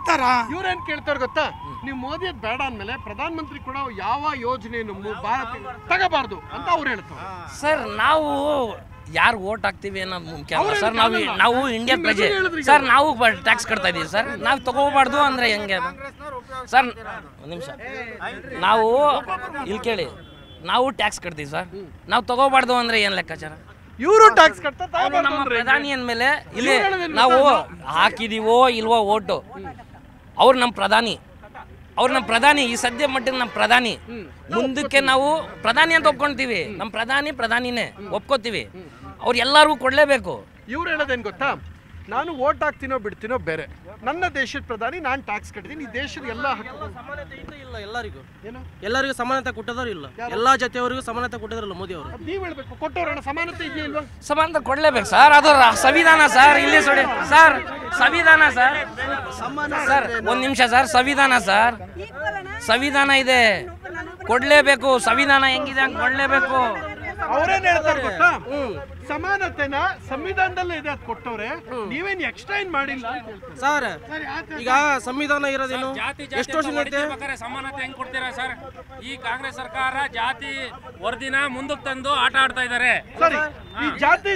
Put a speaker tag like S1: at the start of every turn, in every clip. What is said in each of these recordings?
S1: ಕೇಳ್ತಾರ?
S2: ಇವ್ರೇನ್ ಕೇಳ್ತಾರೆ ಗೊತ್ತಾ, ನೀವು ಮೋದಿ ಬೇಡ ಅಂದ್ಮೇಲೆ ಪ್ರಧಾನ ಮಂತ್ರಿ ಕೂಡ ಯಾವ ಯೋಜನೆಯನ್ನು ಭಾರತ ತಗೋಬಾರ್ದು ಅಂತ ಅವ್ರು ಹೇಳ್ತಾರೆ.
S3: ಸರ್ ನಾವು ಯಾರು ಓಟ್ ಹಾಕ್ತೀವಿ ಅನ್ನೋದು ಮುಖ್ಯ ಅಲ್ಲ ಸರ್. ನಾವು ಇಂಡಿಯನ್ ಪ್ರಜೆ ಸರ್, ನಾವು ಟ್ಯಾಕ್ಸ್ ಕಟ್ತಾ ಇದೀವಿ ಸರ್. ನಾವು ತಗೋಬಾರ್ದು ಅಂದ್ರೆ ಹೆಂಗೆ ಅದು ಸರ್? ಒಂದು ನಿಮಿಷ, ನಾವು ಇಲ್ಲಿ ಕೇಳಿ, ನಾವು ಟ್ಯಾಕ್ಸ್ ಕಟ್ತೀವಿ ಸರ್. ನಾವು ತಗೋಬಾರ್ದು ಅಂದ್ರೆ ಏನ್ ಲೆಕ್ಕಾಚಾರ?
S2: ಇವರು ಟ್ಯಾಕ್ಸ್ ಕಟ್ತಾ
S3: ನಮ್ಮ ಪ್ರಧಾನಿ ಅಂದಮೇಲೆ ಇಲ್ಲಿ ನಾವು ಹಾಕಿದೀವೋ ಇಲ್ವೋ ಓಟು, ಅವ್ರು ನಮ್ಮ ಪ್ರಧಾನಿ, ಅವ್ರು ನಮ್ಮ ಪ್ರಧಾನಿ. ಈ ಸದ್ಯ ಮಟ್ಟಿಗೆ ನಮ್ಮ ಪ್ರಧಾನಿ. ಮುಂದಕ್ಕೆ ನಾವು ಪ್ರಧಾನಿ ಅಂತ ಒಪ್ಕೊಂತೀವಿ. ನಮ್ಮ ಪ್ರಧಾನಿನೇ ಒಪ್ಕೋತೀವಿ. ಅವ್ರು ಎಲ್ಲರಿಗೂ ಕೊಡಲೇಬೇಕು.
S2: ಇವ್ರು ಹೇಳೋದೇನು ಗೊತ್ತಾ, ನಾನು ಓಟ್ ಹಾಕ್ತೀನೋ ಬಿಡ್ತೀನೋ ಬೇರೆ, ನನ್ನ ದೇಶದ ಪ್ರಧಾನಿ, ನಾನು ಟ್ಯಾಕ್ಸ್ ಕಟ್ತೀನಿ. ಈ ದೇಶದ ಎಲ್ಲ
S4: ಸಮಾನತೆ ಇಲ್ಲ, ಎಲ್ಲರಿಗೂ ಸಮಾನತೆ ಕೊಟ್ಟದವ್ರು ಇಲ್ಲ. ಎಲ್ಲಾ ಜಾತಿಯವರಿಗೂ ಸಮಾನತೆ ಕೊಟ್ಟಿದ್ರಲ್ಲ ಮೋದಿ ಅವರು.
S2: ನೀವು ಹೇಳ್ಬೇಕು, ಕೊಟ್ಟವ್ರಣ ಸಮಾನತೆ ಇದೆಯಾ ಇಲ್ವಾ?
S3: ಸಮಾನತೆ ಕೊಡ್ಲೇಬೇಕು ಸರ್. ಅದು ಸಂವಿಧಾನ ಸರ್. ಇಲ್ಲಿ ಸರ್ ಸಂವಿಧಾನ ಸರ್. ಸರ್ ಒಂದ್ ನಿಮಿಷ ಸರ್, ಸಂವಿಧಾನ ಸರ್, ಸಂವಿಧಾನ ಇದೆ, ಕೊಡ್ಲೇಬೇಕು. ಸಂವಿಧಾನ ಹೆಂಗಿದೆ ಹಂಗೆ ಕೊಡ್ಲೇಬೇಕು.
S2: ಅವ್ರೇನ್ ಹೇಳ್ತಾರೆ ಗೊತ್ತಾ, ಸಮಾನತೆನ ಸಂವಿಧಾನದಲ್ಲೇ ಇದೆ, ಅದು ಕೊಟ್ಟವ್ರೆ, ನೀವೇನ್ ಎಕ್ಸ್ಟ್ರಾ ಏನ್ ಮಾಡಿಲ್ಲ
S4: ಸರ್. ಈಗ ಸಂವಿಧಾನ ಇರೋದೇನು, ಎಷ್ಟು ವರ್ಷ
S5: ಸಮಾನತೆ ಹೆಂಗ್ ಕೊಡ್ತೀರಾ ಸರ್? ಈ ಕಾಂಗ್ರೆಸ್ ಸರ್ಕಾರ ಜಾತಿ ವರದಿನ ಮುಂದಕ್ಕೆ ತಂದು ಆಟ ಆಡ್ತಾ ಇದ್ದಾರೆ.
S2: ಸರಿ, ಈ ಜಾತಿ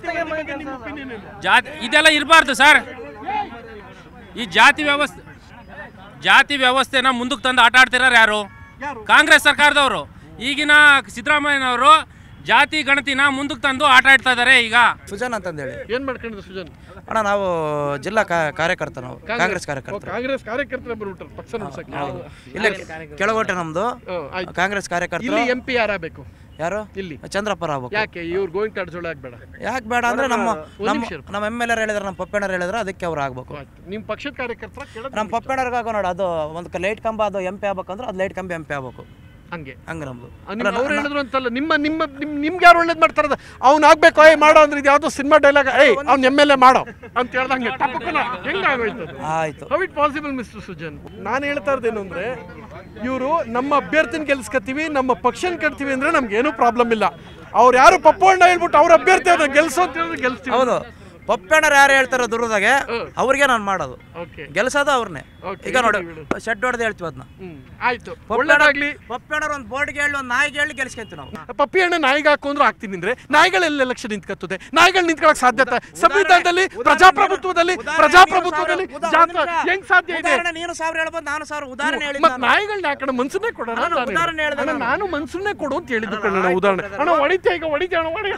S5: ಜಾತಿ ಇದೆಲ್ಲ ಇರಬಾರ್ದು ಸರ್. ಈ ಜಾತಿ ವ್ಯವಸ್ಥೆನ ಮುಂದಕ್ಕೆ ತಂದು ಆಟ ಆಡ್ತಿರೋರು ಯಾರು? ಕಾಂಗ್ರೆಸ್ ಸರ್ಕಾರದವರು. ಈಗಿನ ಸಿದ್ದರಾಮಯ್ಯನವರು ಜಾತಿ ಗಣತಿನ ಮುಂದಕ್ಕೆ ತಂದು ಆಟ ಆಡ್ತಾ ಇದ್ದಾರೆ. ಈಗ
S6: ಸುಜನ್ ಅಂತಂದೇಳಿ
S2: ಏನ್ ಮಾಡ್ಕೊಂಡಿದ್ರು ಸುಜನ್
S6: ಅಣ್ಣ? ನಾವು ಜಿಲ್ಲಾ ಕಾರ್ಯಕರ್ತ, ನಾವು ಕಾಂಗ್ರೆಸ್ ಕಾರ್ಯಕರ್ತ.
S2: ಕಾಂಗ್ರೆಸ್ ಕಾರ್ಯಕರ್ತರ ಬರ್ಬಿಟ್ರು ಪಕ್ಷ
S6: ಇಲ್ಲ, ಕೆಳಗೋಟೆ ನಮ್ದು ಕಾಂಗ್ರೆಸ್ ಕಾರ್ಯಕರ್ತ.
S2: ಇಲ್ಲಿ MP ಯಾರಾಗಬೇಕು?
S6: ಯಾರು?
S2: ಇಲ್ಲಿ
S6: ಚಂದ್ರಪ್ಪರ ಆಗ್ಬೇಕು.
S2: ಯಾಕೆ ಇವ್ರು ಗೋವಿಂದ ಕಾರಜೋಳ ಆಗ್ಬೇಡ?
S6: ಯಾಕೆ ಬೇಡ ಅಂದ್ರೆ ನಮ್ಮ MLA ಹೇಳಿದ್ರೆ, ನಮ್ಮ ಪಪ್ಪಣ್ಣರು ಹೇಳಿದ್ರೆ ಅದಕ್ಕೆ ಅವ್ರು ಆಗ್ಬೇಕು.
S2: ನಿಮ್ ಪಕ್ಷದ ಕಾರ್ಯಕರ್ತರ
S6: ನಮ್ಮ ಪಪ್ಪಣ್ಣರ್ಗ ಆಗೋ ನೋಡಿ, ಅದು ಒಂದು ಲೈಟ್ ಕಂಬ, ಅದು MP ಆಗ್ಬೇಕಂದ್ರೆ ಅದು ಲೈಟ್ ಕಂಬ MP ಆಗ್ಬೇಕು.
S2: ಹಂಗೆ
S6: ನಮ್ದು
S2: ಅವ್ರು ಹೇಳಿದ್ರು ಅಂತಲ್ಲ, ನಿಮ್ಗೆ ಯಾರು ಒಳ್ಳೇದು ಮಾಡ್ತಾರದ, ಅವ್ನು ಆಗ್ಬೇಕು ಮಾಡೋ ಅಂದ್ರೆ ಇದು ಯಾವ್ದೋ ಸಿನಿಮಾ ಡೈಲಾಗ್, ಅವ್ನು MLA ಮಾಡೋ ಅಂತ ಹೇಳ್ದಂಗೆ ಹೆಂಗಾಗೋಯ್ತು?
S6: ಆಯ್ತು.
S2: How it possible mister Sujan? ನಾನು ಹೇಳ್ತಾ ಇರೋದೇನು ಅಂದ್ರೆ, ಇವರು ನಮ್ಮ ಅಭ್ಯರ್ಥಿನ ಗೆಲ್ಸ್ಕೊತೀವಿ, ನಮ್ಮ ಪಕ್ಷನ ಕಟ್ತೀವಿ ಅಂದ್ರೆ ನಮ್ಗೆ ಏನೂ ಪ್ರಾಬ್ಲಮ್ ಇಲ್ಲ. ಅವ್ರು ಯಾರು ಪಪ್ಪಣ್ಣ ಹೇಳ್ಬಿಟ್ಟು ಅವ್ರ ಅಭ್ಯರ್ಥಿ ಅವ್ರನ್ನ ಗೆಲ್ಸೋ ಅಂತ ಹೇಳಿದ್ರೆ ಗೆಲ್ಸ್ತೀವಿ.
S6: ಹೌದು, ಪಪ್ಪಣ್ಣರು ಯಾರು ಹೇಳ್ತಾರೋ ದುರ್ಗದಾಗೆ ಅವ್ರಿಗೆ ನಾನು ಮಾಡೋದು, ಗೆಲ್ಸೋದು ಅವ್ರನ್ನೇ. ಈಗ ನೋಡಿ, ಶೆಡ್ ಹೊಡೆದು ಹೇಳ್ತೀವಿ ಅದನ್ನ.
S2: ಆಯ್ತು, ಒಳ್ಳೆದಾಗ್ಲಿ.
S6: ಪಪ್ಪಣ್ಣರು ಒಂದು ಬೋರ್ಡ್ಗೆ ಹೇಳಿ, ಒಂದು ನಾಯಿಗೆ ಹೇಳಿ ಗೆಲ್ಸ್ಕೊಂತೀವಿ ನಾವು.
S2: ಪಪ್ಪಿ ಹಣ್ಣ ನಾಯಿಗೆ ಹಾಕೊಂಡ್ರು ಹಾಕ್ತೀನಿ ಅಂದ್ರೆ ನಾಯಿಗಳೆಲ್ಲ ಎಲೆಕ್ಷನ್ ನಿಂತ್ಕತ್ತದೆ? ನಾಯಿಗಳು ನಿಂತ್ಕೊಳಕ್ ಸಾಧ್ಯತೆ? ಸಂವಿಧಾನದಲ್ಲಿ, ಪ್ರಜಾಪ್ರಭುತ್ವದಲ್ಲಿ ಹೆಂಗ್ ಸಾಧ್ಯ ಇದೆ?
S6: ನೀನು 1000 ಹೇಳ್ಬೋದು, ನಾನು 1000 ಉದಾಹರಣೆ ಹೇಳಿ.
S2: ನಾಯಿಗಳನ್ನ ಯಾಕಡೆ ಮನ್ಸನ್ನೇ ಕೊಡೋಣ? ನಾನು ಮನ್ಸನ್ನೇ ಕೊಡು ಅಂತ ಹೇಳಿದ್ದು ಕಣ ಉದಾಹರಣೆ. ಅಣ್ಣ ಹೊಡಿತೀಯ, ಈಗ ಹೊಡಿತೀಯ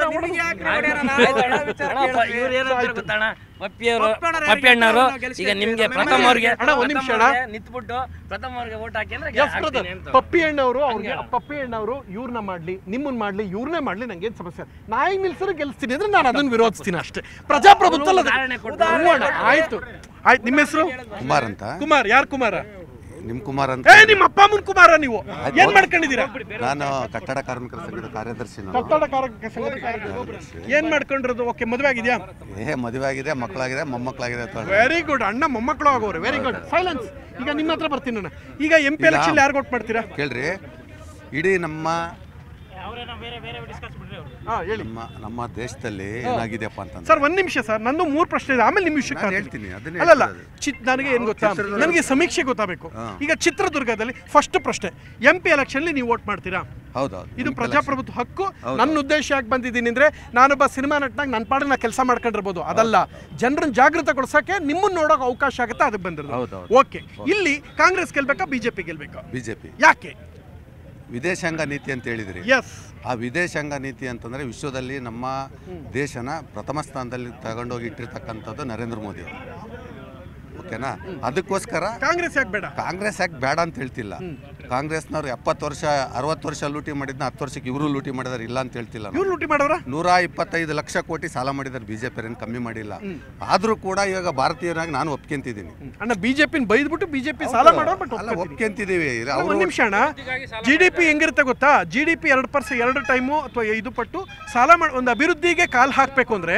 S3: ಪಪ್ಪಿ ಅಣ್ಣವರು ಈಗ ನಿಮ್ಗೆ ಪ್ರಥಮ ಅವ್ರಿಗೆ
S2: ನಿಂತ್ಬಿಟ್ಟು ಪ್ರಥಮ ಅವ್ರಿಗೆ ಓಟ್ ಹಾಕಿ ಅಂದ್ರೆ ಪಪ್ಪಿ ಅಣ್ಣವರು ಅವ್ರಿಗೆ, ಪಪ್ಪಿ ಅಣ್ಣವರು ಇವ್ರನ್ನ ಮಾಡ್ಲಿ, ನಿಮ್ಮನ್ನ ಮಾಡ್ಲಿ, ಇವ್ರನ್ನೇ ಮಾಡ್ಲಿ, ನಂಗೇನ್ ಸಮಸ್ಯೆ? ನಾಯಿ ನಿಲ್ಸರು ಗೆಲ್ಸ್ತೀನಿ ಅಂದ್ರೆ ನಾನು ಅದನ್ನ ವಿರೋಧಿಸ್ತೀನಿ ಅಷ್ಟೇ. ಪ್ರಜಾಪ್ರಭುತ್ವ ಆಯ್ತು. ನಿಮ್ಮ ಹೆಸರು?
S7: ಕುಮಾರ್ ಅಂತ.
S2: ಕುಮಾರ್? ಯಾರು ಕುಮಾರ?
S7: ನಿಮ್ ಕುಮಾರ್ ಅಂತ.
S2: ನಿಮ್ಮ ಅಪ್ಪ ಅಮ್ಮನ ಕುಮಾರ? ನೀವು ಏನ್ ಮಾಡ್ಕೊಂಡಿದ್ದೀರಾ?
S7: ನಾನು ಕಟ್ಟಡ ಕಾರ್ಮಿಕರ ಸಂಘದ ಕಾರ್ಯದರ್ಶಿ.
S2: ಕಟ್ಟಡ ಕಾರ್ಮಿಕರ ಸಂಘದ ಕಾರ್ಯದರ್ಶಿ. ಏನ್ ಮಾಡ್ಕೊಂಡಿರೋದು? ಓಕೆ, ಮದುವೆ ಆಗಿದ್ಯಾ?
S7: ಮದುವೆ ಆಗಿದೆ, ಮಕ್ಕಳಾಗಿದೆ, ಮೊಮ್ಮಕ್ಕಳಾಗಿದೆ.
S2: Very good. ಅಣ್ಣ ಮೊಮ್ಮಕ್ಕಳು ಆಗೋರು. Very good. ಸೈಲೆನ್ಸ್. ಈಗ ನಿಮ್ಮ ಹತ್ರ ಬರ್ತೀನಿ ನಾನು. ಈಗ MP ಎಲೆಕ್ಷನ್ ಯಾರು ವೋಟ್ ಮಾಡ್ತೀರಾ?
S7: ಕೇಳ್ರಿ, ಇಡೀ ನಮ್ಮ
S2: ನಮ್ಮ
S7: ದೇಶದಲ್ಲಿ ಏನಾಗಿದೆಯಪ್ಪ ಅಂತ
S2: ಸರ್, ಒಂದ್ ನಿಮಿಷ ಸರ್, ನಂದು 3 ಪ್ರಶ್ನೆ ಇದೆ, ಆಮೇಲೆ ನಿಮ್ಮ ವಿಷಯಕ್ಕೆ
S7: ಹೇಳ್ತೀನಿ.
S2: ಅಲ್ಲಲ್ಲ, ನನಗೆ ಏನ್ ಗೊತ್ತಾ, ನನಗೆ ಸಮೀಕ್ಷೆ ಗೊತ್ತಾಗಬೇಕು. ಈಗ ಚಿತ್ರದುರ್ಗದಲ್ಲಿ ಫಸ್ಟ್ ಪ್ರಶ್ನೆ, MP ಎಲೆಕ್ಷನ್ ನೀವು ವೋಟ್ ಮಾಡ್ತೀರಾ?
S7: ಹೌದೌದು,
S2: ಇದು ಪ್ರಜಾಪ್ರಭುತ್ವ ಹಕ್ಕು. ನನ್ನ ಉದ್ದೇಶ ಯಾಕೆ ಬಂದಿದ್ದೀನಿ ಅಂದ್ರೆ, ನಾನೊಬ್ಬ ಸಿನಿಮಾ ನಟನಾಗ ನನ್ನ ಪಾಡಿಗೆ ನಾ ಕೆಲಸ ಮಾಡ್ಕೊಂಡಿರ್ಬೋದು, ಅದಲ್ಲ, ಜನರನ್ನ ಜಾಗೃತಗೊಳಿಸಕ್ಕೆ ನಿಮ್ಮನ್ನ ನೋಡೋಕೆ ಅವಕಾಶ ಆಗುತ್ತೆ, ಅದಕ್ಕೆ ಬಂದಿರೋದು. ಓಕೆ, ಇಲ್ಲಿ ಕಾಂಗ್ರೆಸ್ ಗೆಲ್ಬೇಕಾ, BJP ಗೆಲ್ಬೇಕಾ?
S7: BJP.
S2: ಯಾಕೆ?
S7: ವಿದೇಶಾಂಗ ನೀತಿ ಅಂತ ಹೇಳಿದ್ರಿ. ಆ ವಿದೇಶಾಂಗ ನೀತಿ ಅಂತಂದ್ರೆ ವಿಶ್ವದಲ್ಲಿ ನಮ್ಮ ದೇಶನ ಪ್ರಥಮ ಸ್ಥಾನದಲ್ಲಿ ತಗೊಂಡೋಗಿ ಇಟ್ಟಿರ್ತಕ್ಕಂಥದ್ದು ನರೇಂದ್ರ ಮೋದಿ ಅವರು. ಓಕೆನಾ? ಅದಕ್ಕೋಸ್ಕರ
S2: ಕಾಂಗ್ರೆಸ್ ಯಾಕೆ ಬೇಡ?
S7: ಕಾಂಗ್ರೆಸ್ ಯಾಕೆ ಬೇಡ ಅಂತ ಹೇಳ್ತಿಲ್ಲ. ಕಾಂಗ್ರೆಸ್ನವ್ರು 70 ವರ್ಷ 60 ವರ್ಷ ಲೂಟಿ ಮಾಡಿದ್ನ 10 ವರ್ಷಕ್ಕೆ ಇವರು ಲೂಟಿ ಮಾಡಿದಾರೆ, ಇಲ್ಲ ಅಂತ ಹೇಳ್ತಿಲ್ಲ.
S2: ಇವ್ರು ಲೂಟಿ ಮಾಡೋರ
S7: 125 ಲಕ್ಷ ಕೋಟಿ ಸಾಲ ಮಾಡಿದಾರೆ. BJP ಏನು ಕಮ್ಮಿ ಮಾಡಿಲ್ಲ. ಆದ್ರೂ ಕೂಡ ಇವಾಗ ಭಾರತೀಯರಾಗಿ ನಾನು ಒಪ್ಕೊಂತಿದ್ದೀನಿ.
S2: ಅಣ್ಣ, BJP ಬೈದ್ಬಿಟ್ಟು BJP ಸಾಲ ಮಾಡೋರು, ಬಟ್
S7: ಒಪ್ಕೊಂತಿದ್ದೀವಿ.
S2: ಒಂದು ನಿಮಿಷ ಅಣ್ಣ, GDP ಹೆಂಗಿರುತ್ತೆ ಗೊತ್ತಾ? GDP 2% 2 ಟೈಮು ಅಥವಾ 5 ಪಟ್ಟು ಸಾಲ ಮಾಡಿ ಒಂದು ಅಭಿವೃದ್ಧಿಗೆ ಕಾಲು ಹಾಕಬೇಕು ಅಂದ್ರೆ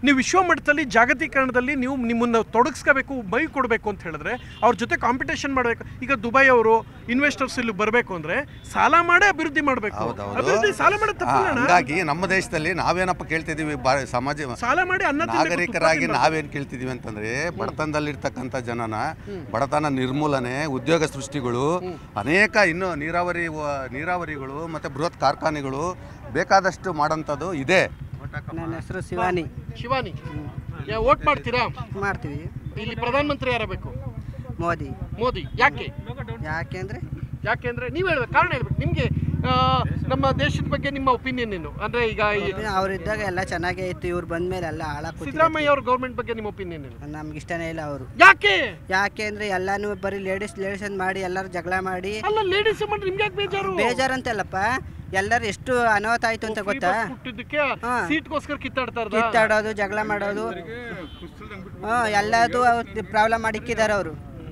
S2: ನೀವು ವಿಶ್ವ ಮಟ್ಟದಲ್ಲಿ ಜಾಗತೀಕರಣದಲ್ಲಿ ನೀವು ನಿಮ್ಮನ್ನು ತೊಡಗಿಸ್ಕೋಬೇಕು, ಮೈ ಕೊಡಬೇಕು ಅಂತ ಹೇಳಿದ್ರೆ ಅವ್ರ ಜೊತೆ ಕಾಂಪಿಟೇಷನ್ ಮಾಡಬೇಕು. ಈಗ ದುಬೈ ಅವರು ಇನ್ವೆಸ್ಟರ್ಸ್ ಇಲ್ಲಿ ಬರಬೇಕು ಅಂದ್ರೆ ಸಾಲ ಮಾಡೇ ಅಭಿವೃದ್ಧಿ ಮಾಡಬೇಕು. ಅಭಿವೃದ್ಧಿ ಸಾಲ ಮಾಡೋದು ತಪ್ಪಿಲ್ಲ.
S7: ಹಾಗಾಗಿ ನಮ್ಮ ದೇಶದಲ್ಲಿ ನಾವೇನಪ್ಪ ಕೇಳ್ತಿದೀವಿ, ಸಮಾಜ
S2: ಸಾಲ ಮಾಡಿ
S7: ನಾಗರಿಕರಾಗಿ ನಾವೇನು ಕೇಳ್ತಿದೀವಿ ಅಂತಂದ್ರೆ ಬಡತನದಲ್ಲಿರ್ತಕ್ಕಂಥ ಜನನ ಬಡತನ ನಿರ್ಮೂಲನೆ, ಉದ್ಯೋಗ ಸೃಷ್ಟಿಗಳು, ಅನೇಕ ಇನ್ನು ನೀರಾವರಿಗಳು ಮತ್ತೆ ಬೃಹತ್ ಕಾರ್ಖಾನೆಗಳು ಬೇಕಾದಷ್ಟು ಮಾಡೋಂಥದ್ದು ಇದೆ.
S1: ನನ್ನ ಹೆಸರು ಶಿವಾನಿ.
S2: ಶಿವಾನಿ, ವೋಟ್ ಮಾಡ್ತೀರಾ?
S1: ಮಾಡ್ತೀವಿ.
S2: ಇಲ್ಲಿ ಪ್ರಧಾನಮಂತ್ರಿ ಯಾರಬೇಕು?
S1: ಮೋದಿ.
S2: ಮೋದಿ. ಯಾಕೆ? ಯಾಕೆಂದ್ರೆ ನೀವು ಹೇಳ್ಬೇಕು, ಕಾರಣ ಹೇಳ್ಬೇಕು. ನಿಮ್ಗೆ ನಮ್ಮ ದೇಶದ ಬಗ್ಗೆ ನಿಮ್ಮ ಒಪಿನಿಯನ್ ಏನು? ಅಂದ್ರೆ ಈಗ
S1: ಅವರಿದ್ದಾಗ ಎಲ್ಲ ಚೆನ್ನಾಗೇ ಇತ್ತು, ಇವ್ರು ಬಂದ್ಮೇಲೆ ಎಲ್ಲ ಹಾಳಾಗಿ.
S2: ಸಿದ್ದರಾಮಯ್ಯ ಅವ್ರ ಗೌರ್ಮೆಂಟ್ ಬಗ್ಗೆ ನಿಮ್ಮ ಒಪಿನಿಯನ್ ಏನು?
S1: ನಮ್ಗೆ ಇಷ್ಟನೇ ಇಲ್ಲ ಅವರು.
S2: ಯಾಕೆ
S1: ಅಂದ್ರೆ ಎಲ್ಲಾನು ಬರೀ ಲೇಡೀಸ್ ಅಂತ ಮಾಡಿ ಎಲ್ಲರೂ ಜಗಳ ಮಾಡಿ.
S2: ಅಲ್ಲ, ಲೇಡೀಸ್ ಮಾಡಿ ನಿಮ್ಗೆ ಯಾಕೆ
S1: ಬೇಜಾರಂತಲ್ಲಪ್ಪ, ಎಲ್ಲರೂ ಎಷ್ಟು ಅನಾಹುತ ಆಯ್ತು ಅಂತ ಗೊತ್ತಾ?
S2: ಸೀಟ್ಗೋಸ್ಕರ
S1: ಕಿತ್ತಾಡೋದು, ಜಗಳ ಮಾಡೋದು, ಎಲ್ಲದು ಪ್ರಾಬ್ಲಮ್ ಮಾಡಿಕ್ಕಿದ್ದಾರೆ ಅವರು.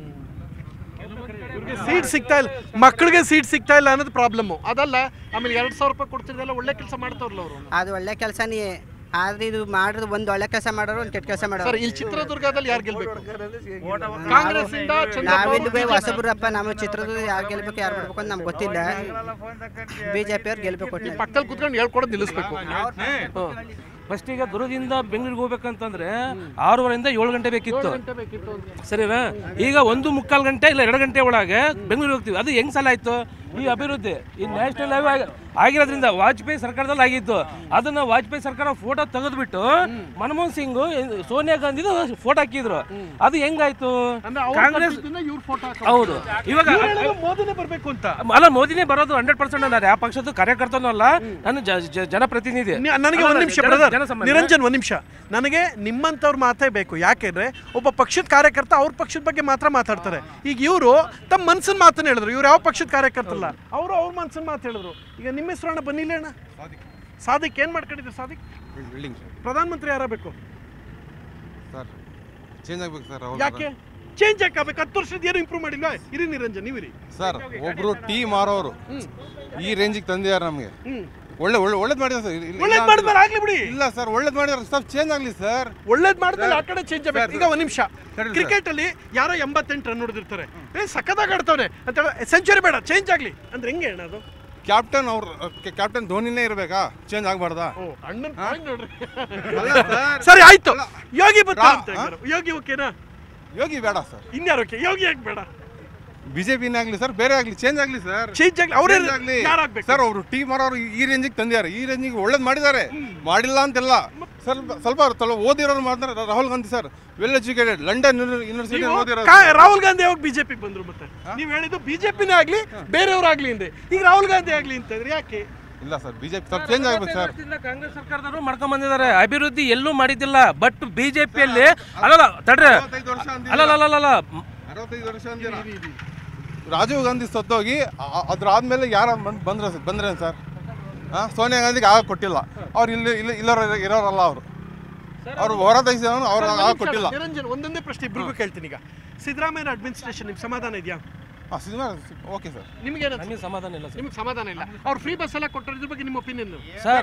S2: ಸೀಟ್ ಸಿಗ್ತಾ ಇಲ್ಲ, ಮಕ್ಕಳಿಗೆ ಸೀಟ್ ಸಿಗ್ತಾ ಇಲ್ಲ ಅನ್ನೋದು ಪ್ರಾಬ್ಲಮ್. ಅದಲ್ಲ, ಆಮೇಲೆ 2,000 ರೂಪಾಯಿ ಕೊಡ್ತಿದ್ದಲ್ಲ, ಒಳ್ಳೆ ಕೆಲಸ ಮಾಡ್ತಾರಲ್ಲ ಅವರು.
S1: ಅದು ಒಳ್ಳೆ ಕೆಲಸನೇ, ಆದ್ರೆ ಇದು ಮಾಡಿದ್ರು ಒಂದು ಒಳ್ಳೆ ಕೆಲಸ ಮಾಡೋರು, ಒಂದು ಕೆಟ್ಟ ಕೆಲಸ ಮಾಡೋರು.
S2: ಇಲ್ಲಿ ಚಿತ್ರದುರ್ಗದಲ್ಲಿ ಯಾರು ಗೆಲ್ಬೇಕು? ಕಾಂಗ್ರೆಸ್ ಇಂದ
S1: ನಾವಿಲ್ಲಿ ಹೊಸಬ್ರಪ್ಪ, ನಮ್ಮ ಚಿತ್ರದುರ್ಗ ಯಾರು ಗೆಲ್ಬೇಕು ಯಾರು ಬಿಡ್ಬೇಕು ಅಂತ ನಮ್ಗೆ ಗೊತ್ತಿಲ್ಲ. ಬಿಜೆಪಿ ಅವ್ರು ಗೆಲ್ಬೇಕು.
S2: ಪಕ್ಕದಲ್ಲಿ ಕುತ್ಕೊಂಡು ಹೇಳ್ಕೊಡೋದು ನಿಲ್ಲಿಸ್ಬೇಕು.
S4: ಫಸ್ಟ್ ಈಗ ದುರ್ಗದಿಂದ ಬೆಂಗಳೂರಿಗೆ ಹೋಗ್ಬೇಕಂತಂದ್ರೆ 6:30 7 ಗಂಟೆ ಬೇಕಿತ್ತು, ಸರಿನಾ? ಈಗ 1:45 ಗಂಟೆ ಇಲ್ಲ 2 ಗಂಟೆ ಒಳಗೆ ಬೆಂಗಳೂರಿಗೆ ಹೋಗ್ತೀವಿ. ಅದು ಹೆಂಗ್ ಸಲ ಆಯ್ತು? ಈ ಅಭಿವೃದ್ಧಿ ಈ ನ್ಯಾಷನಲ್ ಹೈವೇ ಆಗಿರೋದ್ರಿಂದ ವಾಜಪೇಯಿ ಸರ್ಕಾರದಲ್ಲಿ ಆಗಿತ್ತು. ಅದನ್ನ ವಾಜಪೇಯಿ ಸರ್ಕಾರ ಫೋಟೋ ತೆಗೆದ್ಬಿಟ್ಟು ಮನಮೋಹನ್ ಸಿಂಗ್, ಸೋನಿಯಾ ಗಾಂಧಿದು ಫೋಟೋ ಹಾಕಿದ್ರು. ಅದು ಹೆಂಗಾಯ್ತು? ಕಾಂಗ್ರೆಸ್. ಹೌದು, ಇವಾಗ
S2: ಮೋದಿನೇ ಬರ್ಬೇಕು ಅಂತ
S4: ಅಲ್ಲ, ಮೋದಿನೇ ಬರೋದು 100%. ನಾನು ಯಾವ ಪಕ್ಷದ ಕಾರ್ಯಕರ್ತನೂ ಅಲ್ಲ, ನಾನು ಜನಪ್ರತಿನಿಧಿ.
S2: ನನಗೆ ಒಂದ್ ನಿಮಿಷ ನಿರಂಜನ್, ಒಂದ್ ನಿಮಿಷ. ನನಗೆ ನಿಮ್ಮಂತವ್ರ ಮಾತೇ ಬೇಕು. ಯಾಕೆಂದ್ರೆ ಒಬ್ಬ ಪಕ್ಷದ ಕಾರ್ಯಕರ್ತ ಅವ್ರ ಪಕ್ಷದ ಬಗ್ಗೆ ಮಾತ್ರ ಮಾತಾಡ್ತಾರೆ. ಈಗ ಇವರು ತಮ್ಮ ಮನ್ಸಿನ ಮಾತನ್ನ ಹೇಳಿದ್ರು. ಇವ್ರು ಯಾವ ಪಕ್ಷದ ಕಾರ್ಯಕರ್ತ ಅಲ್ಲ, ಅವರು ಅವ್ರ ಮನ್ಸಿನ ಮಾತು ಹೇಳಿದ್ರು. ಈಗ ನಿಮ್ಮ ಹೆಸರು ಅಣ್ಣ ಬನ್ನಿಲ್ಲ ಅಣ್ಣ. ಸಾದಿಕ್ ಏನ್ ಮಾಡ್ಕೊಂಡಿದ್ರು? ಸಾದಿಕ್ ಪ್ರಧಾನಮಂತ್ರಿ ಯಾರಬೇಕು
S8: ಸರ್? ಚೇಂಜ್ ಆಗ್ಬೇಕು ಸರ್.
S2: ಯಾಕೆ ಚೇಂಜ್ ಆಗ್ಬೇಕು? 10 ವರ್ಷದ ಏನು ಇಂಪ್ರೂವ್ ಮಾಡಿಲ್ಲ. ಇರಿ ನಿರಂಜನ್, ನೀವಿರಿ
S8: ಸರ್. ಒಬ್ರು ಟೀ ಮಾರೋರು ಈ ರೇಂಜಿಗೆ ತಂದಿದ್ದಾರೆ ನಮಗೆ. ಒಳ್ಳೇದ್ ಮಾಡಿದಾರೆ ಸರ್.
S2: ಒಳ್ಳೇದ್ ಮಾಡಿದ್ರೆ ಆಗ್ಲಿ ಬಿಡಿ.
S8: ಇಲ್ಲ ಸರ್, ಒಳ್ಳೇದ್ ಮಾಡಿದ್ರೆ ಸ್ವಲ್ಪ ಚೇಂಜ್ ಆಗ್ಲಿ ಸರ್.
S2: ಒಳ್ಳೇದ್ ಮಾಡಿದ್ರೆ ಆ ಕಡೆ ಚೇಂಜ್ ಆಗ್ಬೇಕು. ಈಗ ಒಂದ್ ನಿಮಿಷ, ಕ್ರಿಕೆಟ್ ಅಲ್ಲಿ ಯಾರೋ 88 ರನ್ ಹೊಡೆದಿರ್ತಾರೆ, ಸಖತ್ತಾಗಿ ಆಡ್ತಾನೆ ಅಂತ ಸೆಂಚುರಿ ಬೇಡ, ಚೇಂಜ್ ಆಗ್ಲಿ ಅಂದ್ರೆ ಹೆಂಗೆ ಅಣ್ಣ? ಅದು
S8: ಕ್ಯಾಪ್ಟನ್ ಧೋನಿನೇ ಇರ್ಬೇಕಾ? ಚೇಂಜ್ ಆಗ್ಬಾರ್ದಾ?
S2: ಸರಿ ಆಯ್ತು. ಯೋಗಿ ಯೋಗಿ ಓಕೆನಾ?
S8: ಯೋಗಿ ಬೇಡ ಸರ್.
S2: ಇನ್ಯಾರು ಓಕೆ? ಯೋಗಿ ಯಾಕೆ ಬೇಡ?
S8: ಬಿಜೆಪಿನೇ ಆಗ್ಲಿ ಸರ್, ಬೇರೆ ಆಗ್ಲಿ, ಚೇಂಜ್ ಆಗ್ಲಿ ಸರ್.
S2: ಚೇಂಜ್ ಆಗ್ಲಿ. ಅವರೇ
S8: ಸರ್, ಅವರು ಟೀಮ್ ಮಾಡೋರು ಈ ರೇಂಜಿಗೆ ತಂದಿದ್ದಾರೆ. ಈ ರೇಂಜಿಗೆ ಒಳ್ಳೇದು ಮಾಡಿದ್ದಾರೆ, ಮಾಡಿಲ್ಲ ಅಂತೆಲ್ಲ. ಸ್ವಲ್ಪ ಓದಿರೋರು ಮಾಡ್ತಾರೆ. Rahul Gandhi sir well educated, London university ಓದಿರೋರು.
S2: ರಾಹುಲ್ ಗಾಂಧಿ ಯಾವಾಗ ಬಿಜೆಪಿ ಬಂದ್ರು? ಮತ್ತೆ ನೀವು ಹೇಳಿದ್ದು ಬಿಜೆಪಿನೇ ಆಗ್ಲಿ ಬೇರೆಯವ್ರಾಗ್ಲಿ ಅಂದೆ, ಈಗ ರಾಹುಲ್ ಗಾಂಧಿ ಆಗ್ಲಿ ಅಂತಂದ್ರೆ ಯಾಕೆ?
S8: ಇಲ್ಲ ಸರ್, ಬಿಜೆಪಿ ಸ್ವಲ್ಪ ಚೇಂಜ್ ಆಗ್ಬೇಕು ಸರ್.
S4: ಕಾಂಗ್ರೆಸ್ ಸರ್ಕಾರದವರು ಮಾಡ್ಕೊಂಡ್ ಬಂದಿದ್ದಾರೆ, ಅಭಿವೃದ್ಧಿ ಎಲ್ಲೂ ಮಾಡಿದ್ದಿಲ್ಲ. ಬಟ್ ಬಿಜೆಪಿಯಲ್ಲಿ ಅಲ್ಲಲ್ಲ ತಡ್ರಿ, ಅಲ್ಲಲ್ಲ
S8: 65 ವರ್ಷ ಅಂದಿರ. ರಾಜೀವ್ ಗಾಂಧಿ ಸತ್ತೋಗಿ ಅದ್ರಾದ್ಮೇಲೆ ಯಾರು ಬಂದ್ರೆ ಸರ್? ಸೋನಿಯಾ ಗಾಂಧಿಗೆ ಆಗ ಕೊಟ್ಟಿಲ್ಲ. ಅವ್ರು ಇರೋರಲ್ಲ, ಅವರು ಹೊರ ದೇಶದವರು, ಅವ್ರು ಆಗ ಕೊಟ್ಟಿಲ್ಲ.
S2: ನಿರಂಜನ್, ಒಂದೊಂದೇ ಪ್ರಶ್ನೆ ಇಬ್ಬರಿಗೂ ಕೇಳ್ತೀನಿ. ಈಗ ಸಿದ್ದರಾಮಯ್ಯ ಅಡ್ಮಿನಿಸ್ಟ್ರೇಷನ್ ನಿಮ್ಗೆ ಸಮಾಧಾನ ಇದೆಯಾ?
S8: Okay sir.
S2: ನಿಮ್ಗೆ
S4: ಸಮಾಧಾನ ಇಲ್ಲ.
S2: ನಿಮ್ಗೆ ಸಮಾಧಾನ ಇಲ್ಲ? ಅವ್ರು ಫ್ರೀ ಬಸ್ ಎಲ್ಲ ಕೊಟ್ಟಿರೋದ್ರ ಬಗ್ಗೆ ನಿಮ್ಮ ಒಪಿನಿಯನ್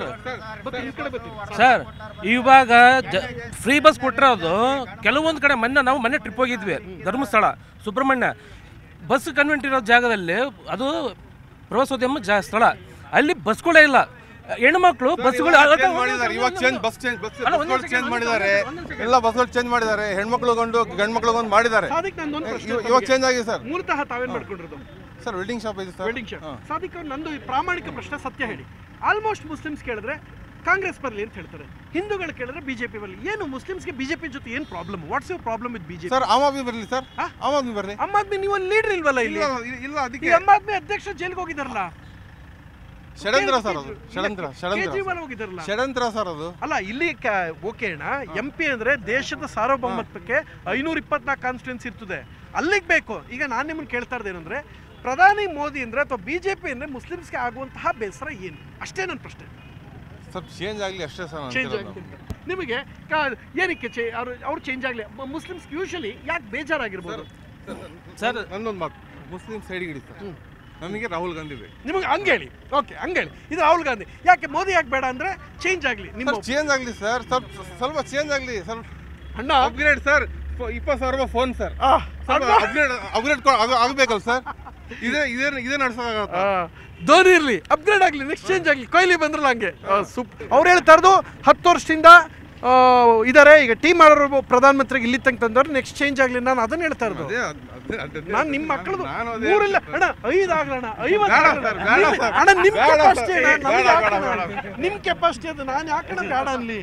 S4: ಸರ್? ಇವಾಗ ಫ್ರೀ ಬಸ್ ಕೊಟ್ಟಿರೋದು ಕೆಲವೊಂದು ಕಡೆ. ಮೊನ್ನೆ ಟ್ರಿಪ್ ಹೋಗಿದ್ವಿ, ಧರ್ಮಸ್ಥಳ, ಸುಬ್ರಹ್ಮಣ್ಯ. ಬಸ್ ಕನ್ವೆಂಟ್ ಇರೋ ಜಾಗದಲ್ಲಿ ಅದು ಪ್ರವಾಸೋದ್ಯಮ ಸ್ಥಳ, ಅಲ್ಲಿ ಬಸ್ಗಳೇ ಇಲ್ಲ. ಹೆಣ್ಮಕ್ಳು ಬಸ್ಗಳು
S8: ಇವಾಗ ಚೇಂಜ್ ಮಾಡಿದ್ದಾರೆ. ಎಲ್ಲ ಬಸ್ಗಳು ಚೇಂಜ್ ಮಾಡಿದ್ದಾರೆ. ಹೆಣ್ಮಕ್ಳುಗೊಂಡು ಗಂಡು ಮಕ್ಳುಗೊಂಡು ಮಾಡಿದ್ದಾರೆ. ಇವಾಗ ಚೇಂಜ್ ಆಗಿದೆ ಸರ್.
S2: ಮೂಲತಃ ತಾವೇನ್ ಮಾಡ್ಕೊಂಡಿರೋದು
S8: ಸರ್? ವೆಲ್ಡಿಂಗ್ ಶಾಪ್ ಇದೆ ಸರ್.
S2: Welding shop. ಸಾದಿಕ್ ಅವ್ರು, ನಂದು ಪ್ರಾಮಾಣಿಕ ಪ್ರಶ್ನೆ, ಸತ್ಯ ಹೇಳಿ. ಆಲ್ಮೋಸ್ಟ್ ಮುಸ್ಲಿಮ್ಸ್ ಕೇಳಿದ್ರೆ ಕಾಂಗ್ರೆಸ್ ಬರಲಿ ಅಂತ ಹೇಳ್ತಾರೆ, ಹಿಂದೂಗಳು ಕೇಳಿದ್ರೆ ಬಿಜೆಪಿ ಬರಲಿ. ಏನು ಮುಸ್ಲಿಮ್ಸ್ಗೆ ಬಿಜೆಪಿ ಜೊತೆ ಏನು problem? What's your problem with BJP?
S8: Sir, Aam Aadmi ಬರಲಿ ಸರ್. ಆಮ್ ಆದ್ಮಿ ಬರಲಿ.
S2: ಆಮ್ ಆದ್ಮಿ ನೀವು ಲೀಡರ್ ಇಲ್ವಲ್ಲ ಇಲ್ಲಿ?
S8: ಇಲ್ಲ, ಅದಕ್ಕೆ
S2: ಆಮ್ ಆದ್ಮಿ ಅಧ್ಯಕ್ಷ ಜೈಲಿಗೆ ಹೋಗಿದಾರಲ್ಲ.
S8: ಷಡ್ಯಂತ್ರ ಸರ್ ಅದು. ಷಡ್ಯಂತ್ರ ಸರ್ ಅದು.
S2: ಅಲ್ಲ, ಇಲ್ಲಿ ಓಕೆ ಅಣ್ಣ, MP ಅಂದ್ರೆ ದೇಶದ ಸಾರ್ವಭೌಮತ್ವಕ್ಕೆ 524 ಕಾನ್ಸ್ಟಿಟ್ಯೂನ್ಸಿ ಇರ್ತದೆ, ಅಲ್ಲಿಗೆ ಬೇಕು. ಈಗ ನಾನು ನಿಮ್ಮನ್ನು ಕೇಳ್ತಾ ಇರೋದೇನಂದ್ರೆ, ಪ್ರಧಾನಿ ಮೋದಿ ಅಂದ್ರೆ ಅಥವಾ ಬಿಜೆಪಿ ಅಂದ್ರೆ ಮುಸ್ಲಿಮ್ಸ್ಗೆ ಆಗುವಂತಹ ಬೇಸರ ಏನು? ಅಷ್ಟೇ ನನ್ನ ಪ್ರಶ್ನೆ.
S8: ಸ್ವಲ್ಪ ಚೇಂಜ್ ಆಗಲಿ ಅಷ್ಟೇ ಸರ್.
S2: ಚೇಂಜ್ ಆಗಲಿ ನಿಮಗೆ ಏನಕ್ಕೆ? ಅವ್ರು ಚೇಂಜ್ ಆಗಲಿ. ಮುಸ್ಲಿಮ್ಸ್ ಯೂಶಲಿ ಯಾಕೆ ಬೇಜಾರಾಗಿರ್ಬೋದು
S8: ಸರ್? ನನ್ನೊಂದು ಮಾತು, ಮುಸ್ಲಿಂ ಸೈಡ್ ಇಡಿ ಸರ್. ನಮಗೆ ರಾಹುಲ್ ಗಾಂಧಿ ಬೇಕು.
S2: ನಿಮಗೆ ಹಂಗೇಳಿ, ಓಕೆ ಹಂಗೇಳಿ. ಇದು ರಾಹುಲ್ ಗಾಂಧಿ. ಯಾಕೆ ಮೋದಿ ಯಾಕೆ ಬೇಡ ಅಂದ್ರೆ ಚೇಂಜ್ ಆಗಲಿ, ನಿಮ್ಮ
S8: ಚೇಂಜ್ ಆಗಲಿ ಸರ್, ಸ್ವಲ್ಪ ಚೇಂಜ್ ಆಗಲಿ, ಸ್ವಲ್ಪ
S2: ಅಣ್ಣ
S8: upgrade sir. 20,000 phone sir, upgrade ಆಗಬೇಕಲ್ಲ ಸರ್. ಇದೇ ನಡ್ಸೋಕ್ಕಾಗತ್ತ?
S2: ಧೋನಿ ಇರಲಿ, ಅಪ್ಗ್ರೇಡ್ ಆಗಲಿ, ನೆಕ್ಸ್ಟ್ ಚೇಂಜ್ ಆಗಲಿ. ಕೊಹ್ಲಿ ಬಂದ್ರಲ್ಲ ಹಂಗೆ ಸೂಪರ್. ಅವ್ರು ಹೇಳ್ತಾ ಇರೋದು 10 ವರ್ಷದಿಂದ ಇದಾರೆ, ಈಗ ಟೀಮ್ ಮಾಡೋರು ಪ್ರಧಾನಮಂತ್ರಿಗೆ ಇಲ್ಲಿ ತನಕ ತಂದವ್ರು, ನೆಕ್ಸ್ಟ್ ಚೇಂಜ್ ಆಗಲಿ. ನಾನು ಅದನ್ನ ಹೇಳ್ತಾ ಇರೋದು. ನಾನು ನಿಮ್ಮ ಮಕ್ಕಳದು ಮೂರಿಲ್ಲ ಅಣ್ಣ, 5 ಆಗ್ಲಣ್ಣ, 50 ಅಣ್ಣ. ನಿಮ್ಮ ಕೆಪಾಸಿಟಿ ಅಣ್ಣ, ನಿಮ್ಮ ಕೆಪಾಸಿಟಿ ಅದು. ನಾನು ಯಾಕಣ್ಣ ಬೇಡ ಅನ್ಲಿ?